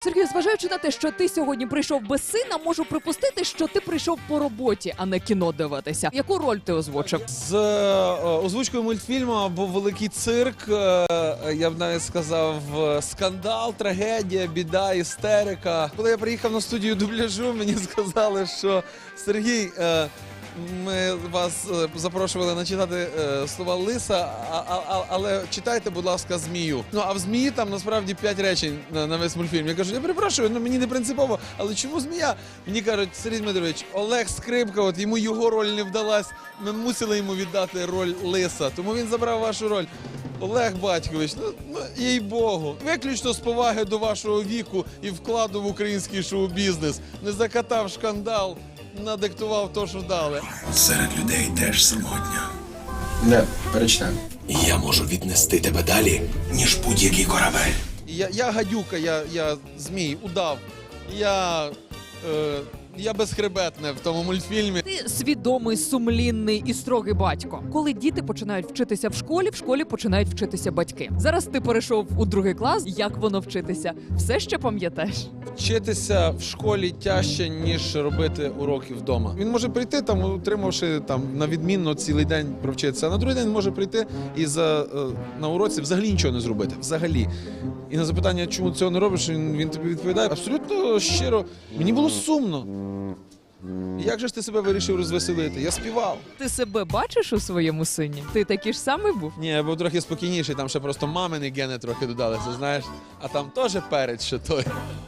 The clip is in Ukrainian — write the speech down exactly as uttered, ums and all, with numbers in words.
Сергію, зважаючи на те, що ти сьогодні прийшов без сина, можу припустити, що ти прийшов по роботі, а не кіно дивитися. Яку роль ти озвучив? З е, озвучкою мультфільму був великий цирк, е, я б навіть сказав, е, скандал, трагедія, біда, істерика. Коли я приїхав на студію дубляжу, мені сказали, що Сергій, е, ми вас е, запрошували начитати е, слова Лиса, а, а, а, але читайте, будь ласка, Змію. Ну, а в Змії там насправді п'ять речень на, на весь мультфільм. Я кажу, я перепрошую, ну мені не принципово, але чому Змія? Мені кажуть, Сергій Дмитрович, Олег Скрипка, от йому його роль не вдалась, ми мусили йому віддати роль Лиса, тому він забрав вашу роль. Олег Батькович, ну, ну їй-богу, виключно з поваги до вашого віку і вкладу в український шоу-бізнес. Не закатав шкандал, надиктував то, що дали. Серед людей теж самотньо. Не, перечитаю. Я можу віднести тебе далі, ніж будь-який корабель. Я, я гадюка, я, я змій, удав. Я, е, я безхребетне в тому мультфільмі. Ти свідомий, сумлінний і строгий батько. Коли діти починають вчитися в школі, в школі починають вчитися батьки. Зараз ти перейшов у другий клас. Як воно вчитися? Все ще пам'ятаєш? Вчитися в школі тяжче, ніж робити уроки вдома. Він може прийти, там, утримавши там, на відмінно цілий день провчитися, а на другий день може прийти і за, е, на уроці взагалі нічого не зробити. Взагалі. І на запитання, чому цього не робиш, він, він тобі відповідає абсолютно щиро. Мені було сумно. Як же ж ти себе вирішив розвеселити? Я співав. Ти себе бачиш у своєму сині? Ти такий ж самий був? Ні, я був трохи спокійніший, там ще просто мамини гени трохи додалися, знаєш. А там теж перець ще той.